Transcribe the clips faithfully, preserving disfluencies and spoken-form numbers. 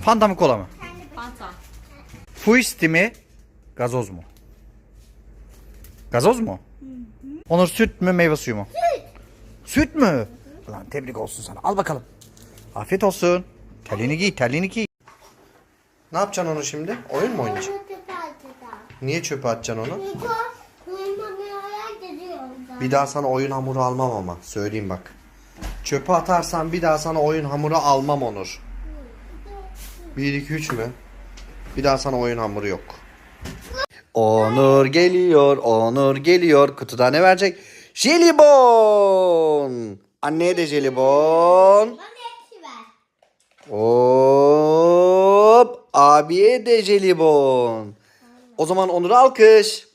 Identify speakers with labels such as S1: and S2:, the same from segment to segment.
S1: Fanta mı kola mı?
S2: Fanta.
S1: Fuisti mi? Gazoz mu? Gazoz mu? Hı hı. Onur süt mü meyve suyu mu? Süt. Süt mü? Lan tebrik olsun sana. Al bakalım. Afiyet olsun. Terliğini giy, terliğini giy. Ne yapacaksın onu şimdi? Oyun mu oynayacaksın? Niye çöpe atacaksın onu? Bir daha sana oyun hamuru almam ama. Söyleyeyim bak. Çöpe atarsan bir daha sana oyun hamuru almam Onur. bir iki üç mü? Bir daha sana oyun hamuru yok. Onur geliyor, Onur geliyor. Kutuda ne verecek? Jelibon. Anneye de jelibon. Hop. Abiye de jelibon. O zaman Onur'a alkış.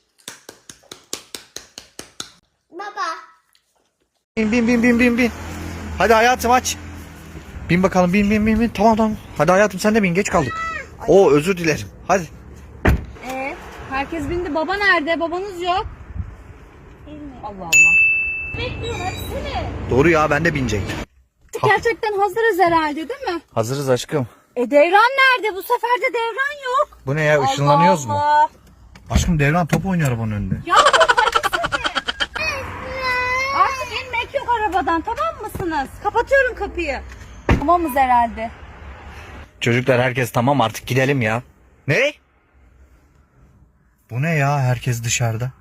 S3: Baba.
S1: Bin bin bin bin bin bin. Hadi hayatım aç. Bin bakalım bin bin bin bin. Tamam tamam. Hadi hayatım sen de bin, geç kaldık. Oo özür dilerim. Hadi.
S2: Ee, herkes bindi. Baba nerede? Babanız yok. Allah Allah. Bekliyorum hepsini.
S1: Doğru ya, ben de binecektim.
S2: Gerçekten hazırız herhalde değil mi?
S1: Hazırız aşkım.
S2: E devran nerede? Bu sefer de devran yok.
S1: Bu ne ya, ışınlanıyoruz mu?
S2: Allah.
S1: Aşkım Devran top oynuyor arabanın önünde.
S2: Ya artık inmek yok arabadan, tamam mısınız? Kapatıyorum kapıyı. Tamamız herhalde.
S1: Çocuklar herkes tamam, artık gidelim ya. Ne? Bu ne ya, herkes dışarıda.